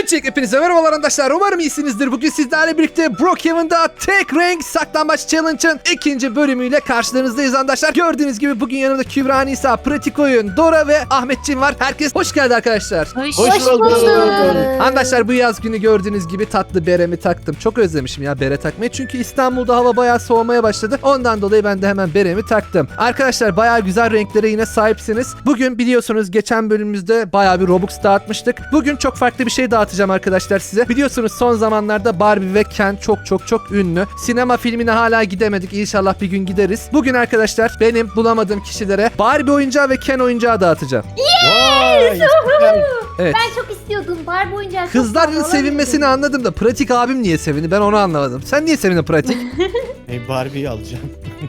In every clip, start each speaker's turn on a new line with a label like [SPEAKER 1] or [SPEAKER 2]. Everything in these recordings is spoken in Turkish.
[SPEAKER 1] Öncelikle hepinize merhabalar arkadaşlar. Umarım iyisinizdir. Bugün sizlerle birlikte Brookhaven'da tek renk saklambaç challenge'ın ikinci bölümüyle karşılarınızdayız arkadaşlar. Gördüğünüz gibi bugün yanımda Kübra, Nisa, Pratik Oyun, Dora ve Ahmetciğim var. Herkes hoş geldi arkadaşlar.
[SPEAKER 2] Hoş bulduk.
[SPEAKER 1] Arkadaşlar bu yaz günü gördüğünüz gibi tatlı beremi taktım. Çok özlemişim ya bere takmayı. Çünkü İstanbul'da hava bayağı soğumaya başladı. Ondan dolayı ben de hemen beremi taktım. Arkadaşlar bayağı güzel renklere yine sahipsiniz. Bugün biliyorsunuz geçen bölümümüzde bayağı bir Robux dağıtmıştık. Bugün çok farklı bir şey dağıtacağım arkadaşlar size. Biliyorsunuz son zamanlarda Barbie ve Ken çok ünlü. Sinema filmine hala gidemedik. İnşallah bir gün gideriz. Bugün arkadaşlar benim bulamadığım kişilere Barbie oyuncağı ve Ken oyuncağı dağıtacağım.
[SPEAKER 2] Yes!
[SPEAKER 1] Evet.
[SPEAKER 2] Ben çok istiyordum Barbie oyuncağı.
[SPEAKER 1] Kızların sevinmesini anladım da Pratik abim niye sevindi ben onu anlamadım. Sen niye sevindin Pratik?
[SPEAKER 3] Barbie'yi alacağım.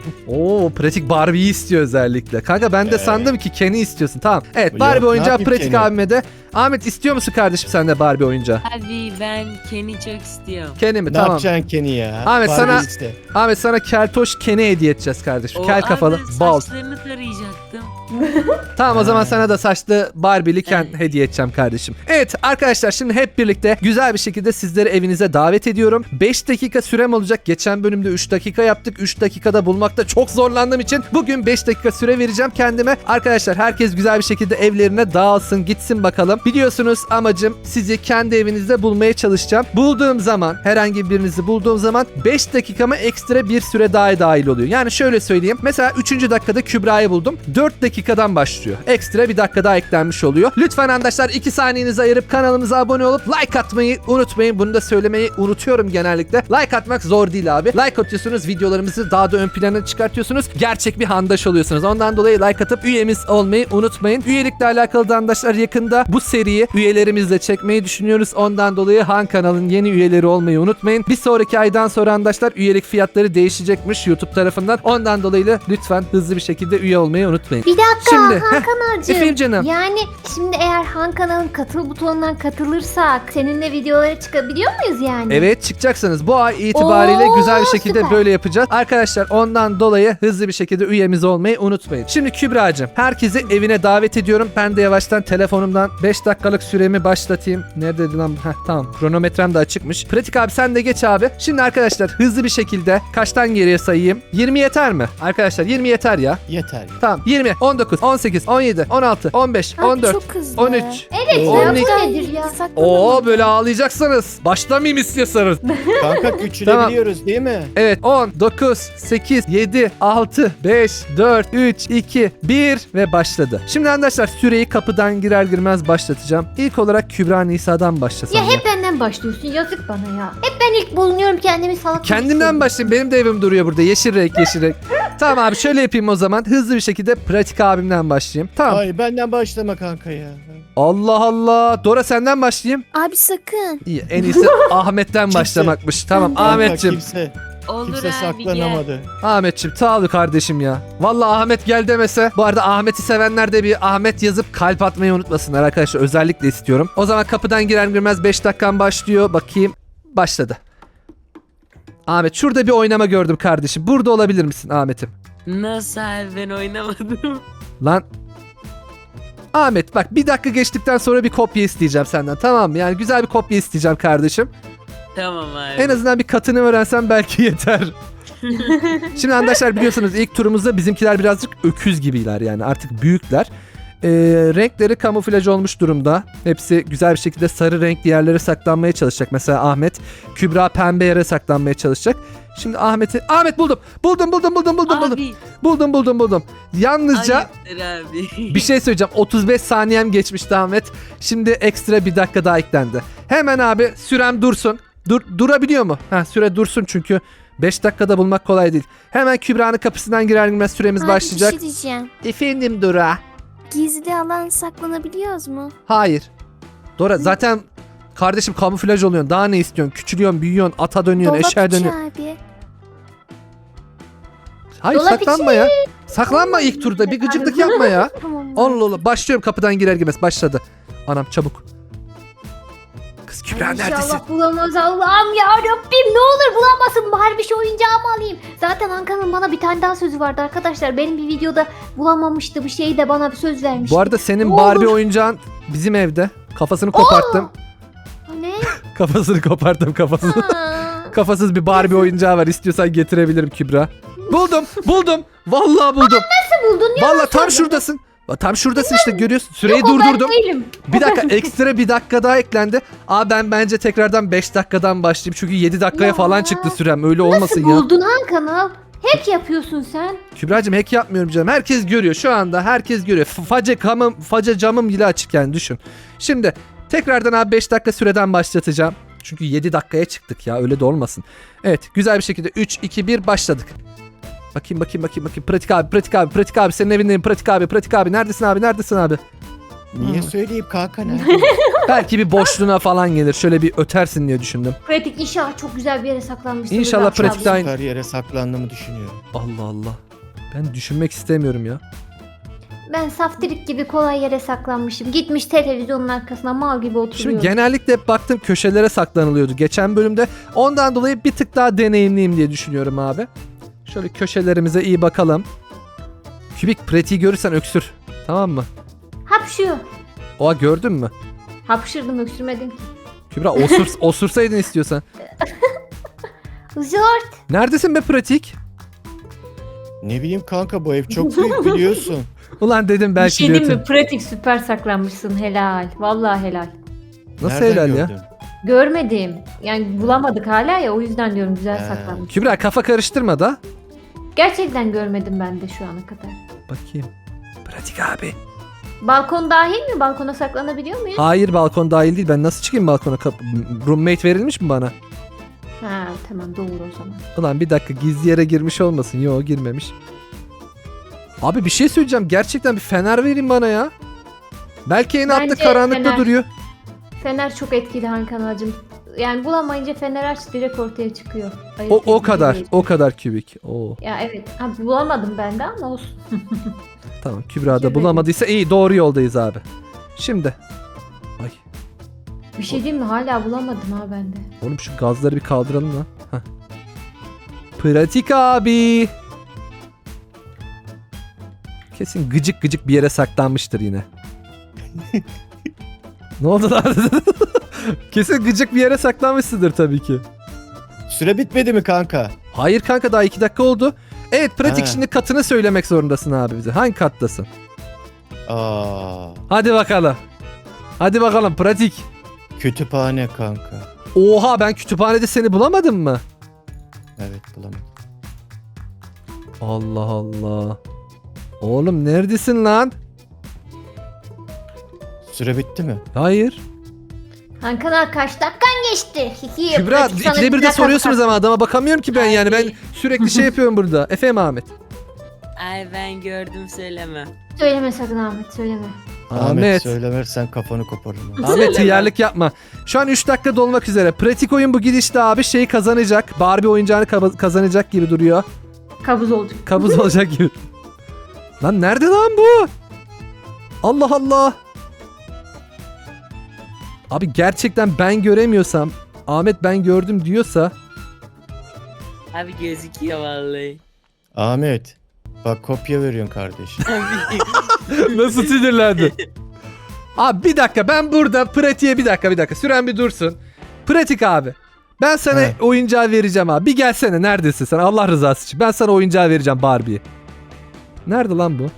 [SPEAKER 1] Oo, Pratik Barbie'yi istiyor özellikle. Kanka ben de sandım ki Ken'i istiyorsun. Tamam. Evet
[SPEAKER 3] Yok,
[SPEAKER 1] Barbie
[SPEAKER 3] ne
[SPEAKER 1] oyuncağı
[SPEAKER 3] yapayım
[SPEAKER 1] Pratik
[SPEAKER 3] Ken'i?
[SPEAKER 1] abime de. Ahmet istiyor musun kardeşim sen de Barbie oyuncağı?
[SPEAKER 4] Abi ben Ken'i çok istiyorum.
[SPEAKER 1] Ken'i mi?
[SPEAKER 3] Ne
[SPEAKER 1] Tamam.
[SPEAKER 3] yapacaksın Kenny ya?
[SPEAKER 1] Ahmet,
[SPEAKER 3] Barbie
[SPEAKER 1] sana-
[SPEAKER 3] iste.
[SPEAKER 1] Ahmet sana keltoş Ken'i hediye edeceğiz kardeşim.
[SPEAKER 4] O
[SPEAKER 1] Kel kafalı.
[SPEAKER 4] abi
[SPEAKER 1] Bal.
[SPEAKER 4] saçlarını tarayacaktım.
[SPEAKER 1] Tamam o zaman
[SPEAKER 3] Ha.
[SPEAKER 1] sana da saçlı Barbie'li Ken
[SPEAKER 4] Evet.
[SPEAKER 1] hediye edeceğim kardeşim. Evet arkadaşlar şimdi hep birlikte güzel bir şekilde sizleri evinize davet ediyorum. 5 dakika sürem olacak. Geçen bölümde 3 dakika yaptık. 3 dakikada bulmakta çok zorlandığım için bugün 5 dakika süre vereceğim kendime. Arkadaşlar herkes güzel bir şekilde evlerine dağılsın gitsin bakalım. Biliyorsunuz amacım sizi kendi evinizde bulmaya çalışacağım. Bulduğum zaman herhangi birinizi bulduğum zaman 5 dakikama ekstra bir süre daha dahil oluyor. Yani şöyle söyleyeyim. Mesela 3. dakikada Kübra'yı buldum. 4 dakikadan başlıyor. Ekstra bir dakika daha eklenmiş oluyor. Lütfen arkadaşlar 2 saniyenizi ayırıp kanalımıza abone olup like atmayı unutmayın. Bunu da söylemeyi unutuyorum genellikle. Like atmak zor değil abi. Like atıyorsunuz, videolarımızı daha da ön plana çıkartıyorsunuz. Gerçek bir handaş oluyorsunuz. Ondan dolayı like atıp üyemiz olmayı unutmayın. Üyelikle alakalı da arkadaşlar yakında bu seriyi üyelerimizle çekmeyi düşünüyoruz. Ondan dolayı Han kanalın yeni üyeleri olmayı unutmayın. Bir sonraki aydan sonra arkadaşlar üyelik fiyatları değişecekmiş YouTube tarafından. Ondan dolayı da lütfen hızlı bir şekilde üye olmayı unutmayın.
[SPEAKER 2] Bir dakika
[SPEAKER 1] Şimdi,
[SPEAKER 2] Han kanalcığım.
[SPEAKER 1] efendim canım.
[SPEAKER 2] Yani şimdi eğer Han kanalın katıl butonundan katılırsak seninle videolara çıkabiliyor muyuz yani?
[SPEAKER 1] Evet çıkacaksınız. Bu ay itibariyle
[SPEAKER 2] Oo,
[SPEAKER 1] güzel bir şekilde
[SPEAKER 2] süper.
[SPEAKER 1] böyle yapacağız. Arkadaşlar ondan dolayı hızlı bir şekilde üyemiz olmayı unutmayın. Şimdi Kübra'cığım herkesi evine davet ediyorum. Ben de yavaştan telefonumdan 5 dakikalık süremi başlatayım. Neredeydi lan? Heh, tamam kronometrem de açıkmış. Pratik abi sen de geç abi. Şimdi arkadaşlar hızlı bir şekilde kaçtan geriye sayayım? 20 yeter mi? Arkadaşlar 20 yeter ya.
[SPEAKER 3] Yeter ya.
[SPEAKER 1] Tamam 20, 19, 18, 17, 16, 15,
[SPEAKER 5] Abi
[SPEAKER 1] 14,
[SPEAKER 5] çok hızlı.
[SPEAKER 1] 13.
[SPEAKER 2] Evet
[SPEAKER 3] Oo.
[SPEAKER 2] ya bu
[SPEAKER 1] 12.
[SPEAKER 2] nedir ya?
[SPEAKER 1] Oo böyle ağlayacaksanız başlamayayım istiyorsanız.
[SPEAKER 3] Kanka küçülebiliyoruz değil mi?
[SPEAKER 1] Evet 10, 9, 8, 7, 6, 5, 4, 3, 2, 1 ve başladı. Şimdi arkadaşlar süreyi kapıdan girer girmez başlatacağım. İlk olarak Kübra Nisa'dan başlasam.
[SPEAKER 2] Ya hep benden başlıyorsun yazık bana ya. Hep ben ilk bulunuyorum kendimi salak.
[SPEAKER 1] Kendimden başlayayım. Benim de evim duruyor burada. Yeşil renk yeşil renk. Tamam abi şöyle yapayım o zaman. Hızlı bir şekilde Pratik abimden başlayayım. Tamam.
[SPEAKER 3] Ay benden başlama kanka ya.
[SPEAKER 1] Allah Allah. Dora senden başlayayım.
[SPEAKER 5] Abi sakın.
[SPEAKER 1] İyi en iyisi Ahmet'ten başlamakmış. Tamam
[SPEAKER 3] Kanka,
[SPEAKER 1] Ahmet'ciğim.
[SPEAKER 4] Olur
[SPEAKER 3] Kimse
[SPEAKER 4] abi gel.
[SPEAKER 3] saklanamadı.
[SPEAKER 1] Ahmet'ciğim sağ ol kardeşim ya. Vallahi Ahmet gel demese. Bu arada Ahmet'i sevenler de bir Ahmet yazıp kalp atmayı unutmasınlar arkadaşlar. Özellikle istiyorum. O zaman kapıdan girer girmez 5 dakikan başlıyor. Bakayım. Başladı. Ahmet şurada bir oynama gördüm kardeşim. Burada olabilir misin Ahmet'im?
[SPEAKER 4] Nasıl abi ben oynamadım.
[SPEAKER 1] Lan. Ahmet bak bir dakika geçtikten sonra bir kopya isteyeceğim senden tamam mı? Yani güzel bir kopya isteyeceğim kardeşim.
[SPEAKER 4] Tamam abi.
[SPEAKER 1] En azından bir katını öğrensen belki yeter. Şimdi arkadaşlar biliyorsunuz ilk turumuzda bizimkiler birazcık öküz gibiler yani artık büyükler. Renkleri kamuflaj olmuş durumda. Hepsi güzel bir şekilde sarı renkli yerlere saklanmaya çalışacak. Mesela Ahmet, Kübra pembe yere saklanmaya çalışacak. Şimdi Ahmet buldum.
[SPEAKER 4] Abi.
[SPEAKER 1] Buldum. Yalnızca
[SPEAKER 4] Hayırdır abi.
[SPEAKER 1] bir şey söyleyeceğim. 35 saniyem geçmişti Ahmet. Şimdi ekstra bir dakika daha eklendi. Hemen abi sürem dursun. Durabiliyor mu? Süre dursun çünkü 5 dakikada bulmak kolay değil. Hemen Kübra'nın kapısından girer girmez süremiz
[SPEAKER 5] Abi
[SPEAKER 1] başlayacak.
[SPEAKER 5] bir şey diyeceğim.
[SPEAKER 1] Efendim Dora.
[SPEAKER 5] Gizli alan saklanabiliyoruz mu?
[SPEAKER 1] Hayır. Dora zaten kardeşim kamuflaj oluyorsun. Daha ne istiyorsun? Küçülüyorsun, büyüyorsun, ata dönüyorsun,
[SPEAKER 5] Dolap
[SPEAKER 1] eşeğe
[SPEAKER 5] içi
[SPEAKER 1] dönüyorsun.
[SPEAKER 5] abi.
[SPEAKER 1] Hayır
[SPEAKER 2] Dolap
[SPEAKER 1] saklanma ya. Saklanma ilk turda. Bir gıcıklık yapma ya.
[SPEAKER 5] Tamam.
[SPEAKER 1] Allah Allah. Başlıyorum kapıdan girer girmez. Başladı. Anam çabuk. Kız Kübra neredesin?
[SPEAKER 2] İnşallah bulamaz Allah'ım ya Rabbim ne olur bulamasın Barbie şu oyuncağımı alayım. Zaten Ankara'nın bana bir tane daha sözü vardı arkadaşlar. Benim bir videoda bulamamıştı bir şey de bana bir söz vermişti.
[SPEAKER 1] Bu arada senin
[SPEAKER 2] Ne
[SPEAKER 1] Barbie
[SPEAKER 2] olur.
[SPEAKER 1] oyuncağın bizim evde. Kafasını koparttım.
[SPEAKER 2] Ne?
[SPEAKER 1] Kafasını koparttım kafasını.
[SPEAKER 5] Aa,
[SPEAKER 1] Kafasız bir Barbie oyuncağı var. İstiyorsan getirebilirim Kübra. Buldum. Vallahi buldum.
[SPEAKER 2] Nasıl buldun ya?
[SPEAKER 1] Vallahi tam şuradasın. Tam şuradasın işte görüyorsun. Süreyi
[SPEAKER 2] Yok, o ben
[SPEAKER 1] durdurdum.
[SPEAKER 2] değilim.
[SPEAKER 1] Bir dakika ekstra bir dakika daha eklendi. Ben bence tekrardan 5 dakikadan başlayayım. Çünkü 7 dakikaya
[SPEAKER 2] Ya.
[SPEAKER 1] falan çıktı sürem. Öyle olmasın
[SPEAKER 2] Nasıl
[SPEAKER 1] ya.
[SPEAKER 2] buldun Hakan'ı? Hack yapıyorsun sen.
[SPEAKER 1] Kübra'cığım hack yapmıyorum canım. Herkes görüyor. Şu anda herkes görüyor. Face camım bile açık yani düşün. Şimdi tekrardan abi 5 dakika süreden başlatacağım. Çünkü 7 dakikaya çıktık ya. Öyle de olmasın. Evet güzel bir şekilde 3, 2, 1 başladık. Bakayım. Pratik abi. Senin evindeyim. Pratik abi. Neredesin abi?
[SPEAKER 3] Niye söyleyeyim kanka nerede?
[SPEAKER 1] Belki bir boşluğuna falan gelir. Şöyle bir ötersin diye düşündüm.
[SPEAKER 2] Pratik inşallah çok güzel bir yere saklanmışsın.
[SPEAKER 1] İnşallah
[SPEAKER 2] Bak,
[SPEAKER 1] pratikte aynı.
[SPEAKER 3] Her yere saklandığımı düşünüyorum.
[SPEAKER 1] Allah. Ben düşünmek istemiyorum ya.
[SPEAKER 2] Ben saftirik gibi kolay yere saklanmışım. Gitmiş televizyonun arkasına mal gibi oturuyor.
[SPEAKER 1] Şimdi genellikle hep baktım köşelere saklanılıyordu geçen bölümde. Ondan dolayı bir tık daha deneyimliyim diye düşünüyorum abi. Şöyle köşelerimize iyi bakalım. Kübik pratiği görürsen öksür. Tamam mı?
[SPEAKER 2] Hapşıyor.
[SPEAKER 1] Oha gördün mü?
[SPEAKER 2] Hapşırdım öksürmedim ki.
[SPEAKER 1] Kübra osursaydın istiyorsan.
[SPEAKER 2] Zort.
[SPEAKER 1] Neredesin be pratik?
[SPEAKER 3] Ne bileyim kanka bu ev çok büyük biliyorsun.
[SPEAKER 1] Ulan dedim
[SPEAKER 2] Bir
[SPEAKER 1] belki
[SPEAKER 2] şey diyeyim
[SPEAKER 1] diyorsun.
[SPEAKER 2] mi? Pratik süper saklanmışsın. Helal. Vallahi helal.
[SPEAKER 1] Nasıl
[SPEAKER 3] Nereden
[SPEAKER 1] helal ya?
[SPEAKER 3] gördün?
[SPEAKER 2] Görmedim. Yani bulamadık hala ya o yüzden diyorum güzel saklanmış.
[SPEAKER 1] Kübra kafa karıştırma da.
[SPEAKER 2] Gerçekten görmedim ben de şu ana kadar.
[SPEAKER 1] Bakayım. Pratik abi.
[SPEAKER 2] Balkon dahil mi? Balkona saklanabiliyor muyuz?
[SPEAKER 1] Hayır balkon dahil değil. Ben nasıl çıkayım balkona? Roommate verilmiş mi bana?
[SPEAKER 2] Ha tamam doğru o zaman.
[SPEAKER 1] Ulan bir dakika gizli yere girmiş olmasın. Yo girmemiş. Abi bir şey söyleyeceğim. Gerçekten bir fener verin bana ya. Belki en altta
[SPEAKER 2] Bence
[SPEAKER 1] karanlıkta
[SPEAKER 2] fener.
[SPEAKER 1] duruyor.
[SPEAKER 2] Fener çok etkili Hakan ağacım. Yani bulamayınca fener aç direkt ortaya çıkıyor. Ayıp
[SPEAKER 1] O
[SPEAKER 2] değil,
[SPEAKER 1] kadar.
[SPEAKER 2] değil.
[SPEAKER 1] O kadar kübik. Oo.
[SPEAKER 2] Ya evet. Ha, bulamadım ben de ama olsun.
[SPEAKER 1] Tamam Kübra da
[SPEAKER 2] Şöyle.
[SPEAKER 1] bulamadıysa iyi doğru yoldayız abi. Şimdi. Ay.
[SPEAKER 2] Bir şey diyeyim mi? Hala bulamadım ha ben de.
[SPEAKER 1] Oğlum şu gazları bir kaldıralım lan. Heh. Pratik abi. Kesin gıcık bir yere saklanmıştır yine. Ne oldu lan? Kesin gıcık bir yere saklanmışsındır tabii ki.
[SPEAKER 3] Süre bitmedi mi kanka?
[SPEAKER 1] Hayır kanka daha 2 dakika oldu. Evet pratik
[SPEAKER 3] Ha.
[SPEAKER 1] şimdi katını söylemek zorundasın abi bize. Hangi kattasın?
[SPEAKER 3] Aa,
[SPEAKER 1] Hadi bakalım. Hadi bakalım pratik.
[SPEAKER 3] kütüphane kanka.
[SPEAKER 1] Oha ben kütüphanede seni bulamadım mı?
[SPEAKER 3] Evet bulamadım.
[SPEAKER 1] Allah Allah. Oğlum neredesin lan?
[SPEAKER 3] Süre bitti mi?
[SPEAKER 1] Hayır.
[SPEAKER 2] Hakan ağa kaç dakikan geçti? Hihi,
[SPEAKER 1] Kübra
[SPEAKER 2] pratik sana
[SPEAKER 1] ikide bir de
[SPEAKER 2] güzel
[SPEAKER 1] soruyorsunuz
[SPEAKER 2] kafa-
[SPEAKER 1] ama adama bakamıyorum ki ben yani. Ben
[SPEAKER 4] Abi.
[SPEAKER 1] sürekli şey yapıyorum burada. Efendim Ahmet.
[SPEAKER 4] Ay ben gördüm söyleme.
[SPEAKER 2] Söyleme sakın Ahmet söyleme.
[SPEAKER 1] Ahmet.
[SPEAKER 3] söylemezsen kafanı koparırım.
[SPEAKER 1] Ahmet
[SPEAKER 4] Söyleme.
[SPEAKER 1] tıyarlık yapma. Şu an 3 dakika dolmak üzere. Pratik oyun bu gidişte abi şeyi kazanacak. Barbie oyuncağını kazanacak gibi duruyor.
[SPEAKER 2] Kabuz olacak.
[SPEAKER 1] Kabuz olacak gibi. Lan nerede lan bu? Allah Allah. Abi gerçekten ben göremiyorsam Ahmet ben gördüm diyorsa
[SPEAKER 4] Abi gözüküyor vallahi.
[SPEAKER 3] Ahmet bak kopya veriyorsun kardeşim.
[SPEAKER 4] Abi.
[SPEAKER 1] nasıl sinirlendi? Abi bir dakika ben burada pratiğe bir dakika süren bir dursun. Pratik abi. Ben sana
[SPEAKER 3] He.
[SPEAKER 1] oyuncağı vereceğim abi. Bir gelsene neredesin sen Allah rızası için. Ben sana oyuncağı vereceğim Barbie'yi. Nerede lan bu?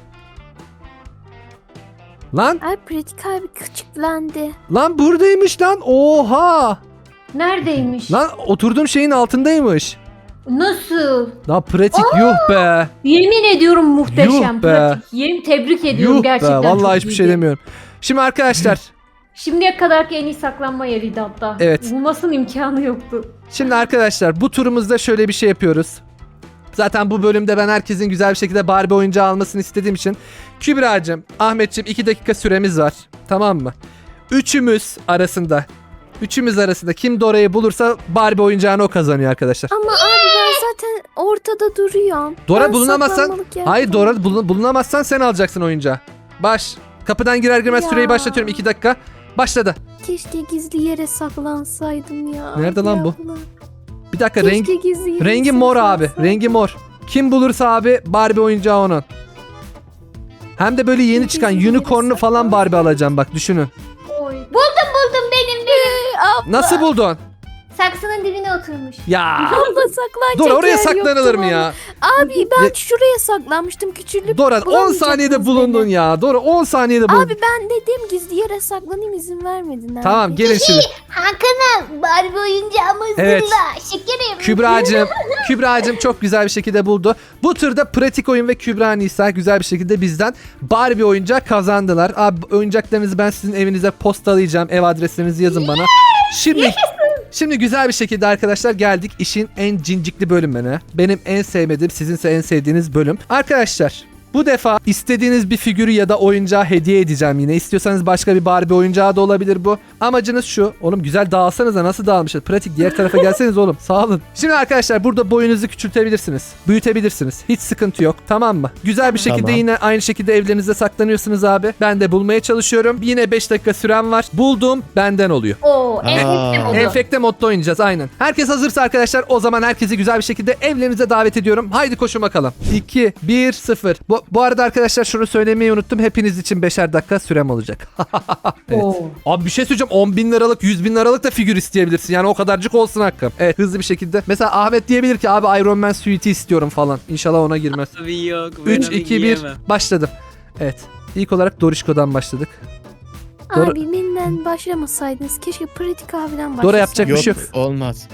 [SPEAKER 1] Lan
[SPEAKER 5] Ay pratik abi küçüklendi.
[SPEAKER 1] lan buradaymış lan. Oha.
[SPEAKER 2] Neredeymiş?
[SPEAKER 1] Lan oturduğum şeyin altındaymış.
[SPEAKER 2] Nasıl?
[SPEAKER 1] Lan pratik yuh be.
[SPEAKER 2] Yemin ediyorum muhteşem.
[SPEAKER 1] Yuh be.
[SPEAKER 2] Pratik. Yemin tebrik ediyorum
[SPEAKER 1] Yuh be.
[SPEAKER 2] gerçekten.
[SPEAKER 1] Vallahi
[SPEAKER 2] çok
[SPEAKER 1] hiçbir şey
[SPEAKER 2] iyiydi.
[SPEAKER 1] demiyorum. Şimdi arkadaşlar.
[SPEAKER 2] Şimdiye kadarki en iyi saklanma yeriydi hatta.
[SPEAKER 1] Evet.
[SPEAKER 2] Bulmasının imkanı yoktu.
[SPEAKER 1] Şimdi arkadaşlar bu turumuzda şöyle bir şey yapıyoruz. Zaten bu bölümde ben herkesin güzel bir şekilde Barbie oyuncağı almasını istediğim için Kübra'cığım, Ahmetciğim 2 dakika süremiz var. Tamam mı? Üçümüz arasında kim Dora'yı bulursa Barbie oyuncağını o kazanıyor arkadaşlar.
[SPEAKER 5] Ama abi ben zaten ortada duruyorum.
[SPEAKER 1] Dora
[SPEAKER 5] Ben
[SPEAKER 1] bulunamazsan
[SPEAKER 5] saklanmalık yaptım.
[SPEAKER 1] hayır Dora bulunamazsan sen alacaksın oyuncağı. Kapıdan girer girmez
[SPEAKER 5] Ya.
[SPEAKER 1] süreyi başlatıyorum 2 dakika. Başladı.
[SPEAKER 5] Keşke gizli yere saklansaydım ya.
[SPEAKER 1] Nerede lan bu?
[SPEAKER 5] abla.
[SPEAKER 1] Bir dakika
[SPEAKER 5] Keşke gizli yere
[SPEAKER 1] rengi mor abi.
[SPEAKER 5] saklansaydım.
[SPEAKER 1] Rengi mor. Kim bulursa abi Barbie oyuncağı onun. Hem de böyle yeni çıkan
[SPEAKER 5] Gizli yere
[SPEAKER 1] unicorn'lu falan Barbie alacağım bak düşünün.
[SPEAKER 2] Oy. Buldum benim.
[SPEAKER 1] Nasıl buldun?
[SPEAKER 2] Saksının dibine oturmuş.
[SPEAKER 1] Ya.
[SPEAKER 5] Abla saklanacak
[SPEAKER 1] Dora oraya
[SPEAKER 5] yer
[SPEAKER 1] saklanılır
[SPEAKER 5] yoktu
[SPEAKER 1] mı ya?
[SPEAKER 5] vallahi. Abi ben
[SPEAKER 1] Ya-
[SPEAKER 5] şuraya saklanmıştım küçülüp.
[SPEAKER 1] Dora 10
[SPEAKER 5] bulamayacaktınız
[SPEAKER 1] saniyede bulundun
[SPEAKER 5] beni.
[SPEAKER 1] ya. Dora 10 saniyede bulundun.
[SPEAKER 5] Abi ben dedim gizli yere saklanayım izin vermedin abi.
[SPEAKER 1] Tamam gelin şimdi.
[SPEAKER 2] Hakan'a Barbie oyuncağımı
[SPEAKER 1] Evet.
[SPEAKER 2] zırla. Şekerim.
[SPEAKER 1] Kübra'cığım çok güzel bir şekilde buldu. Bu turda pratik oyun ve Kübra Nisa güzel bir şekilde bizden Barbie oyuncak kazandılar. Abi oyuncaklarınızı ben sizin evinize postalayacağım. Ev adreslerinizi yazın bana. Şimdi güzel bir şekilde arkadaşlar geldik işin en cincikli bölümüne. Benim en sevmediğim, sizinse en sevdiğiniz bölüm. Arkadaşlar bu defa istediğiniz bir figürü ya da oyuncağı hediye edeceğim yine. İstiyorsanız başka bir Barbie oyuncağı da olabilir bu. Amacınız şu. Oğlum güzel dağılsanız da nasıl dağılmışız? Pratik diğer tarafa gelseniz oğlum. Sağ olun. Şimdi arkadaşlar burada boyunuzu küçültebilirsiniz. Büyütebilirsiniz. Hiç sıkıntı yok. Tamam mı? Güzel bir şekilde
[SPEAKER 3] Tamam.
[SPEAKER 1] yine aynı şekilde evlerinizde saklanıyorsunuz abi. Ben de bulmaya çalışıyorum. Yine 5 dakika sürem var. Buldum benden oluyor.
[SPEAKER 2] Oo, enfekte
[SPEAKER 3] Aa.
[SPEAKER 2] oldu.
[SPEAKER 1] Enfekte modda oynayacağız aynen. Herkes hazırsa arkadaşlar o zaman herkesi güzel bir şekilde evlerinize davet ediyorum. Haydi koşun bakalım. 2, 1, 0. Bu arada arkadaşlar şunu söylemeyi unuttum. Hepiniz için 5'er dakika sürem olacak. Evet.
[SPEAKER 2] Oo.
[SPEAKER 1] Abi bir şey söyleyeceğim. 10 bin liralık 100 bin liralık da figür isteyebilirsin. Yani o kadarcık olsun hakkım. Evet hızlı bir şekilde. Mesela Ahmet diyebilir ki abi Iron Man suite'i istiyorum falan. İnşallah ona girmez.
[SPEAKER 4] Tabii yok. Ben
[SPEAKER 1] 3,
[SPEAKER 4] onu
[SPEAKER 1] 2, 1
[SPEAKER 4] giyemem.
[SPEAKER 1] başladım. Evet. İlk olarak Dorişko'dan başladık. Dora-
[SPEAKER 5] Abi benden başlamasaydınız keşke pratik abiden başlasaydınız.
[SPEAKER 1] Dora yapacak bir
[SPEAKER 3] Yok
[SPEAKER 1] şey yok.
[SPEAKER 3] olmaz.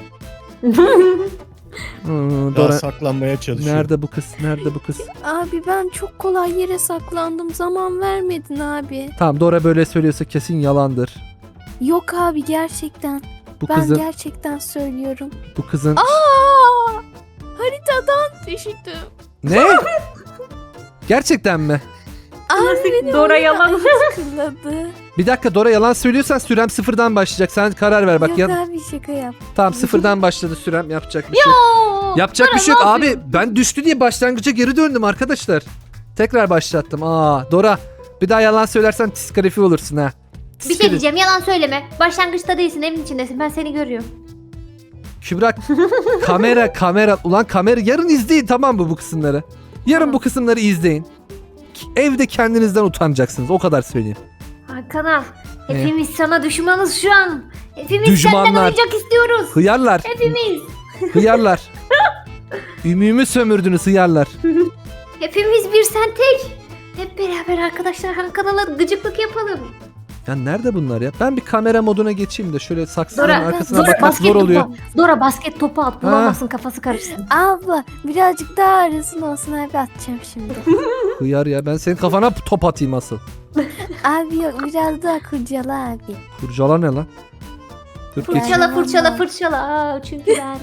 [SPEAKER 1] Hmm,
[SPEAKER 3] Daha
[SPEAKER 1] Dora.
[SPEAKER 3] saklanmaya çalışıyor.
[SPEAKER 1] Nerede bu kız? Nerede bu kız?
[SPEAKER 5] Abi ben çok kolay yere saklandım. Zaman vermedin abi.
[SPEAKER 1] Tamam Dora böyle söylüyorsa kesin yalandır.
[SPEAKER 5] Yok abi gerçekten.
[SPEAKER 1] Bu
[SPEAKER 5] Ben
[SPEAKER 1] kızın
[SPEAKER 5] gerçekten söylüyorum.
[SPEAKER 1] bu kızın
[SPEAKER 5] Aa! Haritadan düştüm.
[SPEAKER 1] ne? Gerçekten mi?
[SPEAKER 5] Abi beni
[SPEAKER 2] Dora
[SPEAKER 5] oraya
[SPEAKER 2] yalan.
[SPEAKER 5] kıladı.
[SPEAKER 1] Bir dakika Dora yalan söylüyorsan sürem sıfırdan başlayacak. Sen karar ver bak.
[SPEAKER 5] Yok
[SPEAKER 1] Ya,
[SPEAKER 5] abi şaka yap.
[SPEAKER 1] tamam sıfırdan başladı sürem yapacak bir şey.
[SPEAKER 2] Oo,
[SPEAKER 1] Yapacak
[SPEAKER 2] Dora
[SPEAKER 1] bir şey yok
[SPEAKER 2] ne
[SPEAKER 1] abi.
[SPEAKER 2] yapıyorsun?
[SPEAKER 1] Ben düştü diye başlangıca geri döndüm arkadaşlar. Tekrar başlattım. Aa Dora bir daha yalan söylersen diskalifiye olursun ha.
[SPEAKER 2] Bir şey diyeceğim, yalan söyleme. Başlangıçta değilsin, evin içindesin. Ben seni görüyorum.
[SPEAKER 1] Kübra kamera. Ulan kamera yarın izleyin tamam mı bu kısımları? Yarın
[SPEAKER 2] Tamam.
[SPEAKER 1] bu kısımları izleyin. Evde kendinizden utanacaksınız o kadar söyleyeyim.
[SPEAKER 2] Hakan'a, hepimiz sana düşmanız şu an. Hepimiz
[SPEAKER 1] Düşmanlar.
[SPEAKER 2] senden oyuncak istiyoruz.
[SPEAKER 1] Hıyarlar.
[SPEAKER 2] Hepimiz.
[SPEAKER 1] Hıyarlar. Ümümü sömürdünüz hıyarlar.
[SPEAKER 2] Hepimiz bir sen tek. Hep beraber arkadaşlar Hakan'la gıcıklık yapalım.
[SPEAKER 1] Ya nerede bunlar ya? Ben bir kamera moduna geçeyim de şöyle saksının
[SPEAKER 2] Dora,
[SPEAKER 1] arkasına
[SPEAKER 2] Dora
[SPEAKER 1] bakmak
[SPEAKER 2] basket
[SPEAKER 1] zor oluyor.
[SPEAKER 2] Dora basket topu at. Bulamazsın, kafası karışsın.
[SPEAKER 5] Abla birazcık daha arasın olsun abi atacağım şimdi.
[SPEAKER 1] Hıyar ya ben senin kafana top atayım asıl.
[SPEAKER 5] Abi yok biraz daha kurcala abi.
[SPEAKER 1] Kurcala ne lan? Dur geç.
[SPEAKER 2] Fırçala. Aa, çünkü ben.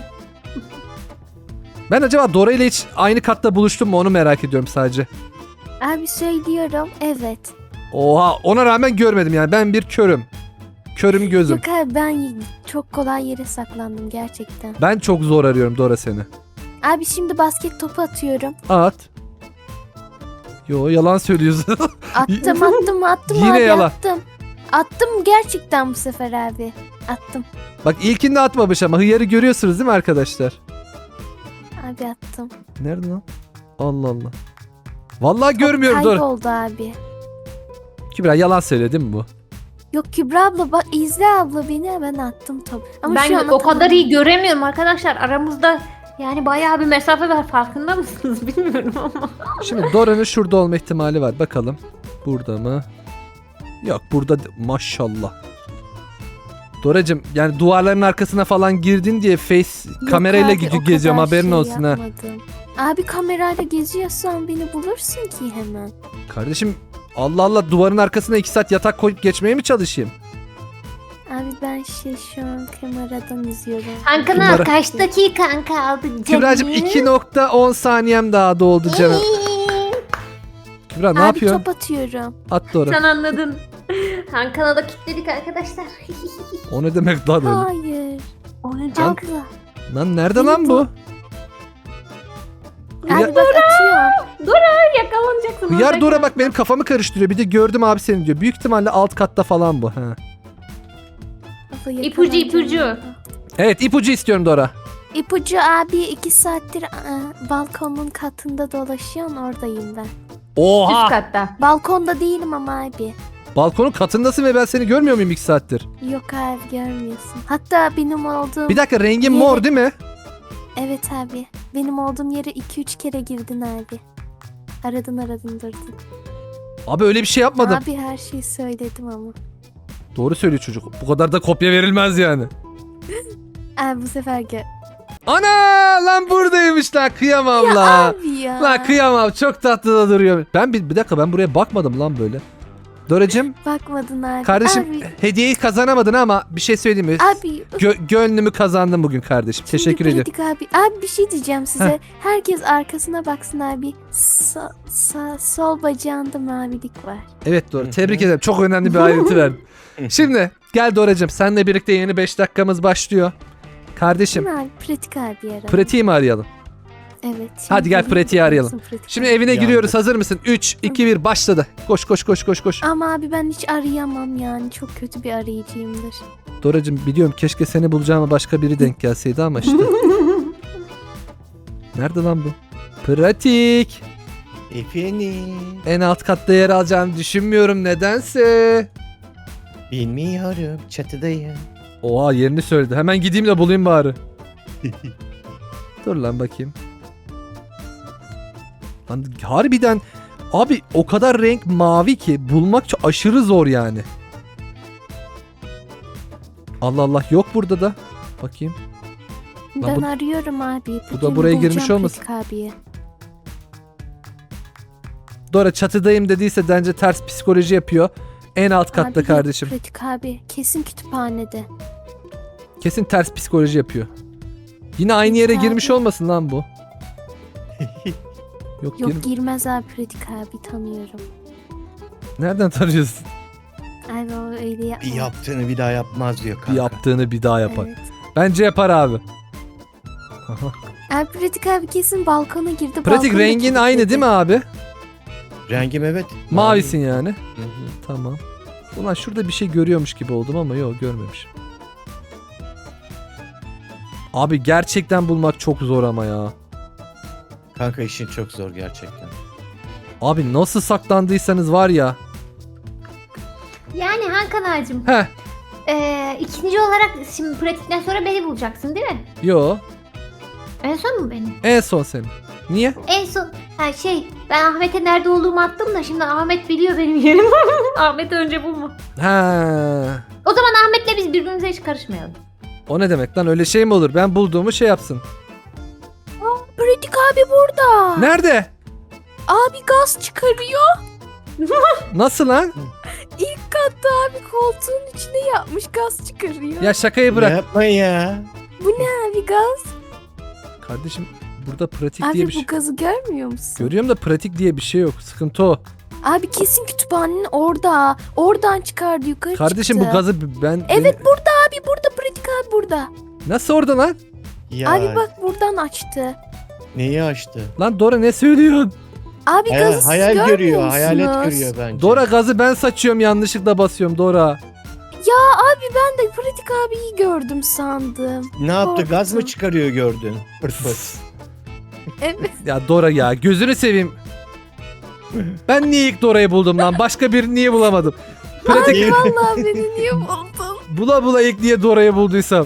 [SPEAKER 1] Ben acaba Dora ile hiç aynı katta buluştum mu onu merak ediyorum sadece.
[SPEAKER 5] Abi söylüyorum evet.
[SPEAKER 1] Oha ona rağmen görmedim yani ben bir körüm. Körüm gözüm.
[SPEAKER 5] Yok abi ben çok kolay yere saklandım gerçekten.
[SPEAKER 1] Ben çok zor arıyorum Dora seni.
[SPEAKER 5] Abi şimdi basket topu atıyorum.
[SPEAKER 1] At. Yo yalan söylüyorsun.
[SPEAKER 5] Attım
[SPEAKER 1] Yine
[SPEAKER 5] abi
[SPEAKER 1] yalan.
[SPEAKER 5] attım. Attım gerçekten bu sefer abi. Attım.
[SPEAKER 1] Bak ilkinde atmamış ama hıyarı görüyorsunuz değil mi arkadaşlar?
[SPEAKER 5] Abi attım.
[SPEAKER 1] Nerede lan? Allah Allah. Vallahi görmüyorum Dora.
[SPEAKER 5] Kayboldu abi.
[SPEAKER 1] Kübra yalan söyledi değil mi bu?
[SPEAKER 5] Yok Kübra abla bak izle abla beni ben attım topu. Ama şu
[SPEAKER 2] Ben
[SPEAKER 5] an
[SPEAKER 2] o kadar
[SPEAKER 5] atamadım.
[SPEAKER 2] iyi göremiyorum arkadaşlar. Aramızda yani bayağı bir mesafe var. Farkında mısınız bilmiyorum ama.
[SPEAKER 1] Şimdi Dora'nın şurada olma ihtimali var. Bakalım. Burada mı? Yok burada maşallah. Doracım yani duvarların arkasına falan girdin diye face
[SPEAKER 5] Yok
[SPEAKER 1] kamerayla
[SPEAKER 5] abi, o
[SPEAKER 1] geziyorum
[SPEAKER 5] kadar
[SPEAKER 1] haberin
[SPEAKER 5] şey
[SPEAKER 1] olsun ha.
[SPEAKER 5] yapmadım. Abi kamerayla geziyorsan beni bulursun ki hemen.
[SPEAKER 1] Kardeşim Allah Allah duvarın arkasına 2 saat yatak koyup geçmeye mi çalışayım?
[SPEAKER 5] Abi ben şu an kameradan izliyorum.
[SPEAKER 2] Hakan'a
[SPEAKER 1] Kübra-
[SPEAKER 2] kaç dakikan kaldı canım?
[SPEAKER 1] Kübra'cığım 2.10 saniyem daha doldu canım. Kübra ne
[SPEAKER 5] Abi
[SPEAKER 1] yapıyorsun?
[SPEAKER 5] top atıyorum.
[SPEAKER 1] At Dora.
[SPEAKER 2] Sen anladın. Hakan'a da kilitledik arkadaşlar.
[SPEAKER 1] O ne demek lan öyle?
[SPEAKER 5] Hayır.
[SPEAKER 2] Oyuncak.
[SPEAKER 5] Abla.
[SPEAKER 1] Lan nerede lan bu?
[SPEAKER 5] Abi bak atıyorum.
[SPEAKER 2] Yakalanacaksın.
[SPEAKER 1] Hıyar
[SPEAKER 2] orada.
[SPEAKER 1] Dora bak benim kafamı karıştırıyor. Bir de gördüm abi seni diyor. Büyük ihtimalle alt katta falan bu. Ha.
[SPEAKER 5] Abla
[SPEAKER 2] İpucu, ipucu.
[SPEAKER 5] yakalanacağım.
[SPEAKER 1] Evet ipucu istiyorum Dora.
[SPEAKER 5] İpucu abi 2 saattir balkonun katında dolaşıyorsun oradayım ben.
[SPEAKER 2] Üst
[SPEAKER 1] Oha!
[SPEAKER 2] katta.
[SPEAKER 5] Balkonda değilim ama abi.
[SPEAKER 1] Balkonun katındasın ve ben seni görmüyor muyum 2 saattir?
[SPEAKER 5] Yok abi görmüyorsun. Hatta benim olduğum...
[SPEAKER 1] Bir dakika, rengin mor değil mi?
[SPEAKER 5] Evet abi. Benim olduğum yere 2-3 kere girdin abi. Aradın durdun.
[SPEAKER 1] Abi öyle bir şey yapmadım.
[SPEAKER 5] Abi her şeyi söyledim ama.
[SPEAKER 1] Doğru söylüyor çocuk. Bu kadar da kopya verilmez yani.
[SPEAKER 5] Abi bu sefer
[SPEAKER 1] Ana lan buradaymış lan, kıyamam
[SPEAKER 5] Ya
[SPEAKER 1] lan.
[SPEAKER 5] abi ya.
[SPEAKER 1] Lan kıyamam, çok tatlı da duruyor. Ben bir dakika, ben buraya bakmadım lan böyle. Doracığım
[SPEAKER 5] Bakmadın abi.
[SPEAKER 1] kardeşim,
[SPEAKER 5] Abi,
[SPEAKER 1] hediyeyi kazanamadın ama bir şey söyleyeyim mi?
[SPEAKER 5] abi
[SPEAKER 1] Gönlümü kazandın bugün kardeşim.
[SPEAKER 5] şimdi
[SPEAKER 1] Teşekkür ediyorum.
[SPEAKER 5] pratik abi. Abi bir şey diyeceğim size. Herkes arkasına baksın abi. Sol bacağında mavilik var.
[SPEAKER 1] Evet doğru. Tebrik ederim. Çok önemli bir ayrıntı verdin. Şimdi gel Doracığım, seninle birlikte yeni 5 dakikamız başlıyor. Kardeşim,
[SPEAKER 5] Değil mi abi? Pratik abi arayalım.
[SPEAKER 1] pratiği mi arayalım?
[SPEAKER 5] Evet. şimdi
[SPEAKER 1] Hadi gel
[SPEAKER 5] pratik
[SPEAKER 1] pratiği arayalım.
[SPEAKER 5] olsun, pratik
[SPEAKER 1] Şimdi
[SPEAKER 5] abi.
[SPEAKER 1] evine
[SPEAKER 3] Yandık.
[SPEAKER 1] giriyoruz. Hazır mısın? 3, 2, 1 başladı. Koş koş koş koş koş.
[SPEAKER 5] Ama abi ben hiç arayamam yani. Çok kötü bir arayıcıyımdır.
[SPEAKER 1] Doracığım biliyorum, keşke seni bulacağıma başka biri denk gelseydi ama işte. Nerede lan bu? Pratik.
[SPEAKER 3] Efendim.
[SPEAKER 1] En alt katta yer alacağını düşünmüyorum nedense.
[SPEAKER 3] Bilmiyorum. Çatıdayım.
[SPEAKER 1] Oha, yerini söyledi. Hemen gideyim de bulayım bari. Dur lan bakayım. Lan harbiden abi, o kadar renk mavi ki bulmak çok aşırı zor yani. Allah Allah, yok burada da. Bakayım. Lan
[SPEAKER 5] Ben
[SPEAKER 1] bu-
[SPEAKER 5] arıyorum abi.
[SPEAKER 1] bu da buraya girmiş
[SPEAKER 5] bulacağım
[SPEAKER 1] olmasın?
[SPEAKER 5] Pratik abiye.
[SPEAKER 1] Dora çatıdayım dediyse bence ters psikoloji yapıyor. En alt katta
[SPEAKER 5] Abi,
[SPEAKER 1] kardeşim.
[SPEAKER 5] Pratik abi. Kesin kütüphanede.
[SPEAKER 1] Kesin ters psikoloji yapıyor. Yine aynı yere
[SPEAKER 5] Abi.
[SPEAKER 1] girmiş olmasın lan bu. Yok,
[SPEAKER 5] Yok girmez abi Pratik abi tanıyorum.
[SPEAKER 1] nereden tanıyorsun?
[SPEAKER 5] Abi o öyle
[SPEAKER 3] Bir
[SPEAKER 5] yapma.
[SPEAKER 3] yaptığını bir daha yapmaz diyor kanka.
[SPEAKER 1] Yaptığını bir daha yapar.
[SPEAKER 5] Evet.
[SPEAKER 1] Bence yapar abi. Aha.
[SPEAKER 5] Abi Pratik abi kesin balkona girdi.
[SPEAKER 1] Pratik,
[SPEAKER 5] balkonu
[SPEAKER 1] rengin
[SPEAKER 5] kilitledi.
[SPEAKER 1] aynı değil mi abi?
[SPEAKER 3] Rengim evet.
[SPEAKER 1] Mavisin yani.
[SPEAKER 3] Hı hı.
[SPEAKER 1] Tamam. Ulan şurada bir şey görüyormuş gibi oldum ama yok, görmemişim. Abi gerçekten bulmak çok zor ama ya.
[SPEAKER 3] Kanka işin çok zor gerçekten.
[SPEAKER 1] Abi nasıl saklandıysanız var ya.
[SPEAKER 2] Yani Hakan ağacım.
[SPEAKER 1] Heh.
[SPEAKER 2] İkinci olarak şimdi pratikten sonra beni bulacaksın değil mi?
[SPEAKER 1] Yo.
[SPEAKER 2] En son mu beni?
[SPEAKER 1] En son senin. Niye?
[SPEAKER 2] En son ben Ahmet'e nerede olduğumu attım da şimdi Ahmet biliyor benim yerimi. Ahmet'i önce bulma.
[SPEAKER 1] Ha.
[SPEAKER 2] O zaman Ahmet'le biz birbirimize hiç karışmayalım.
[SPEAKER 1] O ne demek lan, öyle şey mi olur? Ben bulduğumu şey yapsın.
[SPEAKER 5] Pratik abi burada.
[SPEAKER 1] Nerede?
[SPEAKER 5] Abi gaz çıkarıyor.
[SPEAKER 1] Nasıl lan?
[SPEAKER 5] İlk katta abi koltuğun içine yapmış gaz çıkarıyor.
[SPEAKER 1] Ya şakayı bırak.
[SPEAKER 3] Yapma ya.
[SPEAKER 5] Bu ne abi gaz?
[SPEAKER 1] Kardeşim burada pratik diye
[SPEAKER 5] Abi
[SPEAKER 1] bir şey.
[SPEAKER 5] bu gazı görmüyor musun?
[SPEAKER 1] Görüyorum da pratik diye bir şey yok. Sıkıntı o.
[SPEAKER 5] Abi kesin kütüphanenin orada. Oradan çıkardı yukarı
[SPEAKER 1] Kardeşim
[SPEAKER 5] çıktı.
[SPEAKER 1] bu gazı ben...
[SPEAKER 5] Evet burada abi burada pratik abi burada.
[SPEAKER 1] Nasıl orada lan?
[SPEAKER 3] Ya
[SPEAKER 5] Abi bak buradan açtı.
[SPEAKER 3] neyi açtı?
[SPEAKER 1] Lan Dora ne söylüyorsun?
[SPEAKER 5] Abi gazı siz
[SPEAKER 3] Hayal
[SPEAKER 5] görmüyor
[SPEAKER 3] görüyor.
[SPEAKER 5] musunuz?
[SPEAKER 3] Hayalet görüyor bence.
[SPEAKER 1] Dora, gazı ben saçıyorum, yanlışlıkla basıyorum Dora.
[SPEAKER 5] Abi ben de pratik abiyi gördüm sandım.
[SPEAKER 3] Ne yaptı? Gaz mı
[SPEAKER 5] korktum.
[SPEAKER 3] çıkarıyor gördün? Pırt pırt.
[SPEAKER 5] Evet.
[SPEAKER 1] Ya Dora ya, gözünü seveyim. Ben niye ilk Dora'yı buldum lan? Başka birini niye bulamadım? Pratik
[SPEAKER 3] Niye?
[SPEAKER 5] Vallahi beni niye buldun?
[SPEAKER 1] bula bula ilk niye Dora'yı bulduysam.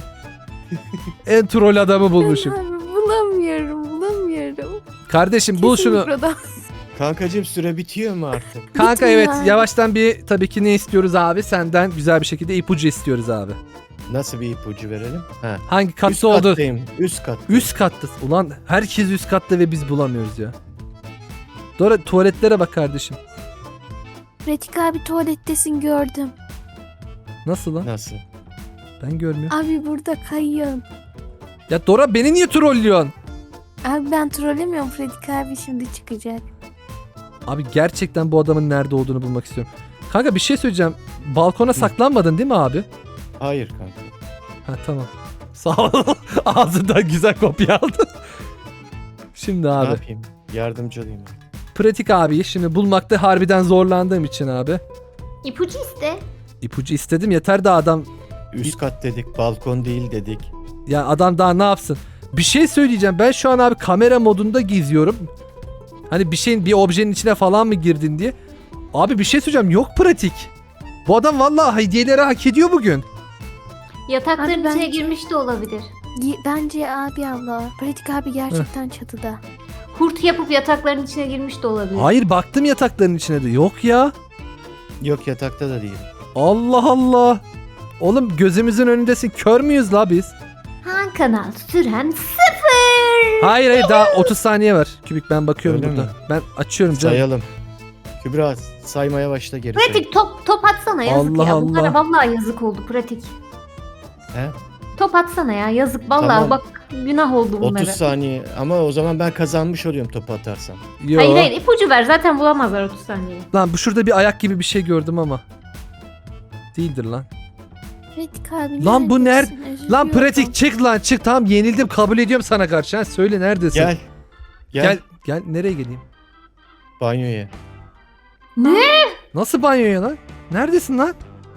[SPEAKER 1] En troll adamı bulmuşum.
[SPEAKER 5] Abi bulamıyorum.
[SPEAKER 1] Kardeşim bul
[SPEAKER 5] Kesin
[SPEAKER 1] şunu.
[SPEAKER 5] mikrodalga.
[SPEAKER 3] Kankacığım süre bitiyor mu artık?
[SPEAKER 1] Kanka
[SPEAKER 5] Bitmiyor
[SPEAKER 1] evet,
[SPEAKER 5] abi.
[SPEAKER 1] yavaştan bir tabii ki ne istiyoruz abi? Senden güzel bir şekilde ipucu istiyoruz abi.
[SPEAKER 3] Nasıl bir ipucu verelim? Ha.
[SPEAKER 1] Hangi
[SPEAKER 3] Üst
[SPEAKER 1] katta oldu?
[SPEAKER 3] kattayım. Üst kat.
[SPEAKER 1] Üst katta. Ulan herkes üst katta ve biz bulamıyoruz ya. Dora tuvaletlere bak kardeşim.
[SPEAKER 5] Pratik abi tuvalettesin gördüm.
[SPEAKER 1] Nasıl lan?
[SPEAKER 3] Nasıl?
[SPEAKER 1] Ben görmüyorum.
[SPEAKER 5] Abi burada kayıyorsun.
[SPEAKER 1] Ya Dora, beni niye trollüyorsun?
[SPEAKER 5] Abi ben trollemiyorum Pratik abi şimdi çıkacak.
[SPEAKER 1] Abi gerçekten bu adamın nerede olduğunu bulmak istiyorum. Kanka bir şey söyleyeceğim. Balkona saklanmadın değil mi abi?
[SPEAKER 3] Hayır kanka.
[SPEAKER 1] Ha tamam. Sağ ol. Ağzından güzel kopya aldın. Şimdi
[SPEAKER 3] Ne
[SPEAKER 1] abi.
[SPEAKER 3] yapayım? Yardımcı olayım.
[SPEAKER 1] Pratik abi şimdi bulmakta harbiden zorlandığım için abi.
[SPEAKER 2] İpucu iste.
[SPEAKER 1] İpucu istedim, yeter de adam.
[SPEAKER 3] Üst kat dedik, balkon değil dedik.
[SPEAKER 1] Ya adam daha ne yapsın? Bir şey söyleyeceğim. Ben şu an abi kamera modunda geziyorum. Hani bir objenin içine falan mı girdin diye. Abi bir şey söyleyeceğim. Yok pratik. Bu adam vallahi hediyeleri hak ediyor bugün.
[SPEAKER 2] Yatakların
[SPEAKER 5] Abi ben-
[SPEAKER 2] içine girmiş de olabilir.
[SPEAKER 5] Bence abi abla. Pratik abi gerçekten çatıda.
[SPEAKER 2] Kurt yapıp yatakların içine girmiş de olabilir.
[SPEAKER 1] Hayır baktım yatakların içine de. Yok ya.
[SPEAKER 3] Yok yatakta da değil.
[SPEAKER 1] Allah Allah. Oğlum gözümüzün önündesin. Kör müyüz la biz?
[SPEAKER 2] Han kanal süren 0.
[SPEAKER 1] Hayır daha 30 saniye var. Kübik ben bakıyorum
[SPEAKER 3] Öyle
[SPEAKER 1] burada.
[SPEAKER 3] mi?
[SPEAKER 1] Ben açıyorum canım.
[SPEAKER 3] Sayalım. Kübra saymaya başla geri.
[SPEAKER 2] Pratik top atsana yazık
[SPEAKER 1] Allah
[SPEAKER 2] ya. Bunlara
[SPEAKER 1] Allah.
[SPEAKER 2] vallahi yazık oldu pratik.
[SPEAKER 3] He?
[SPEAKER 2] Top atsana ya yazık vallahi
[SPEAKER 3] Tamam.
[SPEAKER 2] bak günah oldu bunlara.
[SPEAKER 3] 30 saniye ama o zaman ben kazanmış oluyorum topu atarsam.
[SPEAKER 1] Yo.
[SPEAKER 2] Hayır ipucu ver zaten bulamazlar 30 saniye.
[SPEAKER 1] Lan bu şurada bir ayak gibi bir şey gördüm ama. Değildir lan.
[SPEAKER 5] Pratik abi
[SPEAKER 1] Lan bu
[SPEAKER 5] neredesin?
[SPEAKER 1] Lan
[SPEAKER 5] Üzülüyorum.
[SPEAKER 1] pratik çık lan çık. Tamam yenildim kabul ediyorum sana karşı. Ha, söyle neredesin?
[SPEAKER 3] Gel. Gel.
[SPEAKER 1] Gel. Gel nereye geleyim?
[SPEAKER 3] Banyoya.
[SPEAKER 2] Ne?
[SPEAKER 1] Nasıl banyoya lan? Neredesin lan?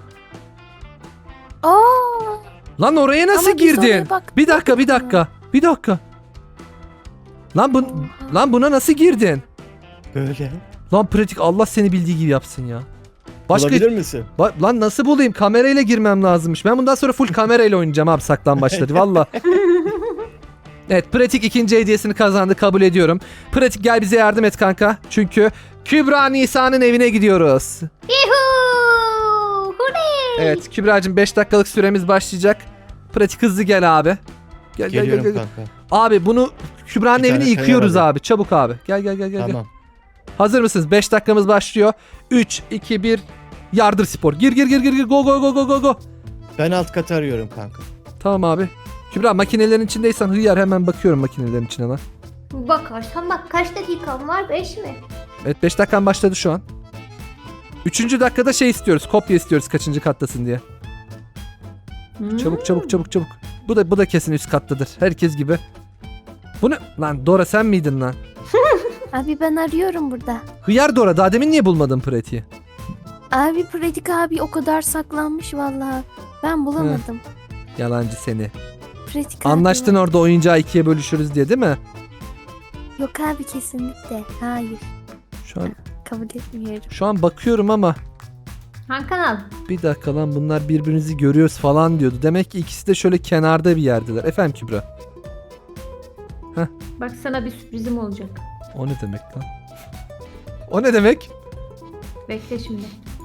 [SPEAKER 5] Aa,
[SPEAKER 1] Lan oraya nasıl
[SPEAKER 5] ama biz
[SPEAKER 1] girdin?
[SPEAKER 5] oraya baktık.
[SPEAKER 1] Bir dakika bir dakika. Bir dakika. Lan buna nasıl girdin?
[SPEAKER 3] Böyle.
[SPEAKER 1] Lan pratik Allah seni bildiği gibi yapsın ya. Başka
[SPEAKER 3] Olabilir misin?
[SPEAKER 1] Lan nasıl bulayım? Kamerayla girmem lazımmış. Ben bundan sonra full kamerayla oynayacağım abi saklambaçları valla. Evet pratik ikinci hediyesini kazandı kabul ediyorum. Pratik gel bize yardım et kanka. Çünkü Kübra Nisa'nın evine gidiyoruz.
[SPEAKER 2] Yuhuu! Hurray!
[SPEAKER 1] Evet Kübra'cığım 5 dakikalık süremiz başlayacak. Pratik hızlı gel abi. Gel.
[SPEAKER 3] Geliyorum kanka.
[SPEAKER 1] Abi bunu Kübra'nın
[SPEAKER 3] Bir
[SPEAKER 1] evini
[SPEAKER 3] tane
[SPEAKER 1] yıkıyoruz
[SPEAKER 3] kayar
[SPEAKER 1] abi. Çabuk abi. Gel.
[SPEAKER 3] Tamam.
[SPEAKER 1] Hazır mısınız? 5 dakikamız başlıyor. 3, 2, 1. Yardır spor. Gir. Go.
[SPEAKER 3] Ben alt katı arıyorum kanka.
[SPEAKER 1] Tamam abi. Kübra makinelerin içindeysen hıyar hemen bakıyorum makinelerin içine lan.
[SPEAKER 2] Bakarsan bak kaç dakikan var 5 mi?
[SPEAKER 1] Evet 5 dakikan başladı şu an. 3. dakikada şey istiyoruz. Kopya istiyoruz kaçıncı kattasın diye. Çabuk. Bu da kesin üst kattadır. Herkes gibi. Bu ne? Lan Dora sen miydin lan?
[SPEAKER 5] Abi ben arıyorum burada.
[SPEAKER 1] Hıyar Dora daha demin niye bulmadın pratiği?
[SPEAKER 5] Abi pratik abi o kadar saklanmış vallahi. Ben bulamadım.
[SPEAKER 1] Yalancı seni.
[SPEAKER 5] Pratik abi.
[SPEAKER 1] Anlaştın orada oyuncağı ikiye bölüşürüz diye değil mi?
[SPEAKER 5] Yok abi kesinlikle. Hayır. Kabul etmiyorum.
[SPEAKER 1] Şu an bakıyorum ama
[SPEAKER 2] Han kanal.
[SPEAKER 1] bir dakika lan bunlar birbirinizi görüyoruz falan diyordu. Demek ki ikisi de şöyle kenarda bir yerdeler. Efendim Kübra.
[SPEAKER 2] Bak sana bir sürprizim olacak.
[SPEAKER 1] O ne demek lan? O ne demek?
[SPEAKER 2] Bekle şimdi.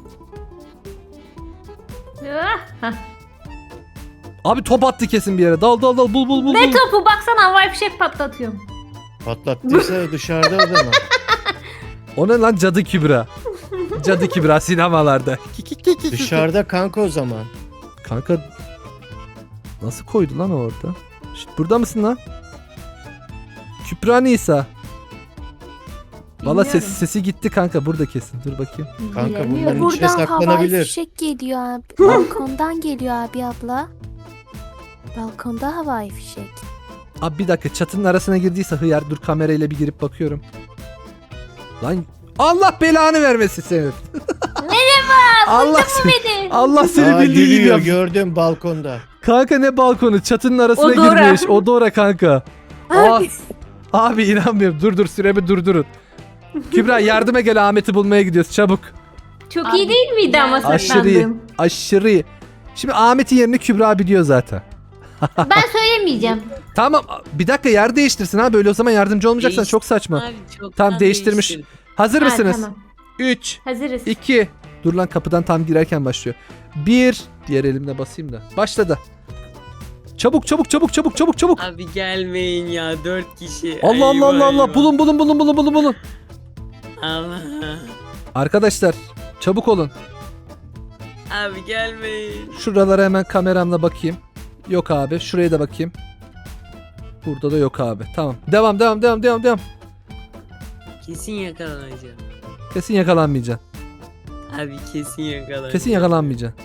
[SPEAKER 2] Hah.
[SPEAKER 1] Abi top attı kesin bir yere. Dal bul.
[SPEAKER 2] Ne topu baksana havai fişek patlatıyorum.
[SPEAKER 3] Patlattıysa dışarıda o zaman.
[SPEAKER 1] O ne lan cadı Kübra? Cadı Kübra sinemalarda.
[SPEAKER 3] Dışarıda kanka o zaman.
[SPEAKER 1] Kanka nasıl koydu lan o orada? Şşt, burada mısın lan? Kübra Nisa. Valla
[SPEAKER 2] Bilmiyorum.
[SPEAKER 1] sesi gitti kanka burada kesin. Dur bakayım.
[SPEAKER 3] Kanka
[SPEAKER 2] Bilemiyorum.
[SPEAKER 3] bunların içine
[SPEAKER 5] Buradan havai
[SPEAKER 3] saklanabilir.
[SPEAKER 5] fişek geliyor abi. Balkondan geliyor abi abla. Balkonda havai fişek.
[SPEAKER 1] Abi bir dakika çatının arasına girdiyse hıyar dur kamerayla bir girip bakıyorum. Lan Allah belanı vermesin senin. Allah seni,
[SPEAKER 2] Beni.
[SPEAKER 1] Allah seni
[SPEAKER 3] Aa,
[SPEAKER 1] bildiği gibi
[SPEAKER 3] gülüyor
[SPEAKER 1] yapsın.
[SPEAKER 3] gördüm balkonda.
[SPEAKER 1] Kanka ne balkonu çatının arasına
[SPEAKER 2] O Dora.
[SPEAKER 1] girmiş. O Dora kanka. Aa,
[SPEAKER 5] Abi.
[SPEAKER 1] abi inanmıyorum. Dur süremi durdurun. Kübra yardıma gel Ahmet'i bulmaya gidiyoruz çabuk.
[SPEAKER 2] Çok
[SPEAKER 4] Abi,
[SPEAKER 2] iyi değil miydi ama
[SPEAKER 1] Aşırı iyi.
[SPEAKER 2] saklandığım?
[SPEAKER 1] Aşırı iyi. Şimdi Ahmet'in yerini Kübra biliyor zaten.
[SPEAKER 2] Ben söylemeyeceğim.
[SPEAKER 1] Tamam bir dakika yer değiştirsin ha böyle o zaman yardımcı olmayacaksan
[SPEAKER 4] Değiş-
[SPEAKER 1] çok saçma.
[SPEAKER 4] Abi çok
[SPEAKER 1] Tamam, değiştirmiş. Hazır
[SPEAKER 2] Ha,
[SPEAKER 1] mısınız?
[SPEAKER 2] tamam.
[SPEAKER 1] 3,
[SPEAKER 2] Hazırız.
[SPEAKER 1] 2. Dur lan kapıdan tam girerken başlıyor. 1. Diğer elimle basayım da. Başladı. Çabuk.
[SPEAKER 4] Abi gelmeyin ya 4 kişi.
[SPEAKER 1] Allah.
[SPEAKER 4] Eyvah.
[SPEAKER 1] Bulun.
[SPEAKER 4] Allah.
[SPEAKER 1] Arkadaşlar çabuk olun.
[SPEAKER 4] Abi gelmeyin.
[SPEAKER 1] Şuralara hemen kameramla bakayım. Yok abi. Şuraya da bakayım. Burada da yok abi. Tamam. Devam.
[SPEAKER 4] Kesin yakalanacağım.
[SPEAKER 1] Kesin yakalanmayacaksın.
[SPEAKER 4] Abi kesin yakalanacağım.
[SPEAKER 1] Kesin yakalanmayacaksın.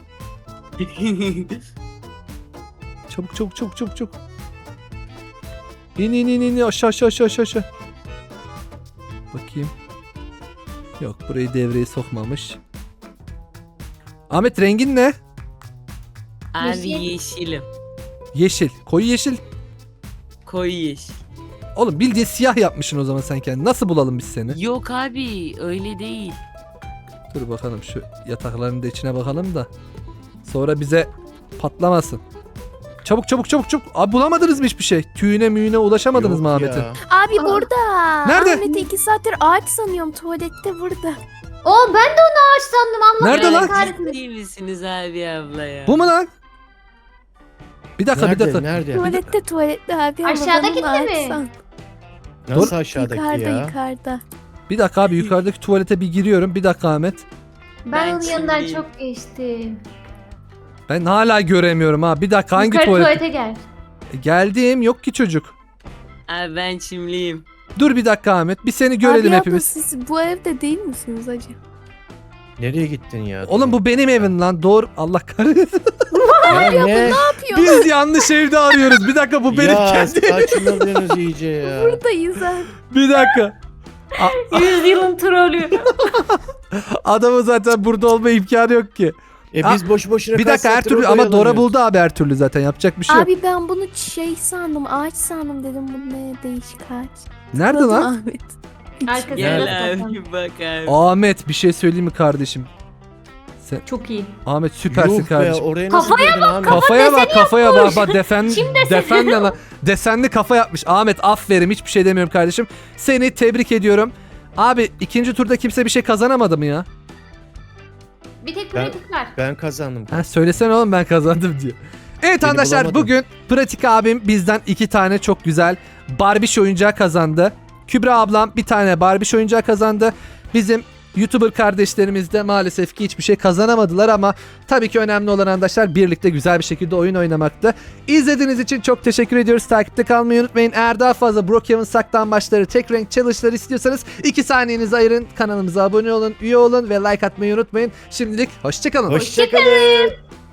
[SPEAKER 1] Çabuk. İn aşağı. Bakayım. Yok burayı devreye sokmamış. Ahmet rengin ne?
[SPEAKER 4] Abi
[SPEAKER 2] Yeşil.
[SPEAKER 4] yeşilim.
[SPEAKER 1] Yeşil. Koyu yeşil.
[SPEAKER 4] Koyu yeşil.
[SPEAKER 1] Oğlum bildiğin siyah yapmışsın o zaman sen kendini. Nasıl bulalım biz seni?
[SPEAKER 4] Yok abi öyle değil.
[SPEAKER 1] Dur bakalım şu yatakların da içine bakalım da. Sonra bize patlamasın. Çabuk çabuk çabuk çabuk. Abi bulamadınız mı hiçbir şey? Tüyüne müyüne ulaşamadınız mı
[SPEAKER 3] Yok
[SPEAKER 1] Ahmet'in?
[SPEAKER 3] ya.
[SPEAKER 5] Abi
[SPEAKER 2] Aa,
[SPEAKER 5] burada.
[SPEAKER 1] nerede?
[SPEAKER 5] Ahmet'i 2 saattir ağaç sanıyorum. Tuvalette burada.
[SPEAKER 2] Oo ben de onu ağaç sandım. Allah
[SPEAKER 1] Nerede
[SPEAKER 2] beni
[SPEAKER 1] lan?
[SPEAKER 2] kahretmesin.
[SPEAKER 4] Ciddi misiniz abi abla ya?
[SPEAKER 1] Bu mu lan? Bir dakika bir dakika.
[SPEAKER 3] Nerede?
[SPEAKER 5] Tuvalette abi. ama
[SPEAKER 2] Aşağıda
[SPEAKER 5] ben onu
[SPEAKER 2] gitti
[SPEAKER 5] ağaç
[SPEAKER 2] mi?
[SPEAKER 5] sandım.
[SPEAKER 3] Nasıl aşağıdaki
[SPEAKER 5] Yukarıda
[SPEAKER 3] ya?
[SPEAKER 5] yukarıda.
[SPEAKER 1] Bir dakika abi yukarıdaki tuvalete bir giriyorum. Bir dakika Ahmet.
[SPEAKER 2] Ben
[SPEAKER 4] Ben
[SPEAKER 2] onun yanından
[SPEAKER 4] şimdi-
[SPEAKER 2] çok geçtim.
[SPEAKER 1] Ben hala göremiyorum ha. Bir dakika hangi
[SPEAKER 2] Yukarı
[SPEAKER 1] tuvalet?
[SPEAKER 2] tuvalete gel.
[SPEAKER 1] Geldim yok ki çocuk.
[SPEAKER 4] Abi ben çimliyim.
[SPEAKER 1] Dur bir dakika Ahmet. Bir seni görelim
[SPEAKER 5] abi
[SPEAKER 1] hepimiz.
[SPEAKER 5] siz bu evde değil misiniz acaba?
[SPEAKER 3] Nereye gittin ya?
[SPEAKER 1] Oğlum bu benim evim lan. Doğru. Allah kahretsin.
[SPEAKER 3] ya ne?
[SPEAKER 1] Biz yanlış evde arıyoruz. Bir dakika bu benim
[SPEAKER 3] Ya
[SPEAKER 1] kendi.
[SPEAKER 3] saçmaladınız iyice ya.
[SPEAKER 5] Buradayız abi.
[SPEAKER 1] Bir dakika.
[SPEAKER 2] 100 yılın trolü.
[SPEAKER 1] Adamın zaten burada olma imkanı yok ki.
[SPEAKER 3] Biz boşu boşuna
[SPEAKER 1] Bir dakika her
[SPEAKER 3] kaç
[SPEAKER 1] türlü
[SPEAKER 3] saattir
[SPEAKER 1] ama
[SPEAKER 3] orada
[SPEAKER 1] Dora
[SPEAKER 3] oyalanıyoruz.
[SPEAKER 1] buldu abi her türlü zaten. Yapacak bir şey yok.
[SPEAKER 5] Abi ben bunu şey sandım, ağaç sandım dedim. Bu ne değişik ağaç.
[SPEAKER 1] Nerede
[SPEAKER 5] Tıkladım
[SPEAKER 1] lan?
[SPEAKER 5] Ahmet.
[SPEAKER 2] Arkasına
[SPEAKER 4] Gel
[SPEAKER 2] bak
[SPEAKER 4] abi bak abi.
[SPEAKER 1] Ahmet bir şey söyleyeyim mi kardeşim? Sen
[SPEAKER 2] Çok iyi.
[SPEAKER 1] Ahmet süpersin
[SPEAKER 3] Yuh be,
[SPEAKER 1] kardeşim.
[SPEAKER 3] oraya nasıl
[SPEAKER 2] Kafaya
[SPEAKER 3] girdin Ahmet?
[SPEAKER 1] Kafaya bak kafaya bak bak
[SPEAKER 2] Çim deseni
[SPEAKER 1] defen ne lan? Desenli kafa yapmış. Ahmet aferin hiçbir şey demiyorum kardeşim. Seni tebrik ediyorum. Abi ikinci turda kimse bir şey kazanamadı mı ya?
[SPEAKER 2] Bir tek
[SPEAKER 3] Ben-
[SPEAKER 2] pratik var.
[SPEAKER 3] Ben kazandım.
[SPEAKER 1] Ha söylesene oğlum ben kazandım diyor. Evet
[SPEAKER 3] Beni
[SPEAKER 1] arkadaşlar
[SPEAKER 3] bulamadım.
[SPEAKER 1] bugün Pratik abim bizden 2 tane çok güzel Barbie oyuncağı kazandı. Kübra ablam bir tane Barbie oyuncağı kazandı. Bizim YouTuber kardeşlerimiz de maalesef ki hiçbir şey kazanamadılar ama tabii ki önemli olan arkadaşlar birlikte güzel bir şekilde oyun oynamaktı. İzlediğiniz için çok teşekkür ediyoruz. Takipte kalmayı unutmayın. Eğer daha fazla Brookhaven saklambaçları, tek renk challenge'ları istiyorsanız 2 saniyenizi ayırın. Kanalımıza abone olun, üye olun ve like atmayı unutmayın. Şimdilik hoşçakalın.
[SPEAKER 3] Hoşçakalın.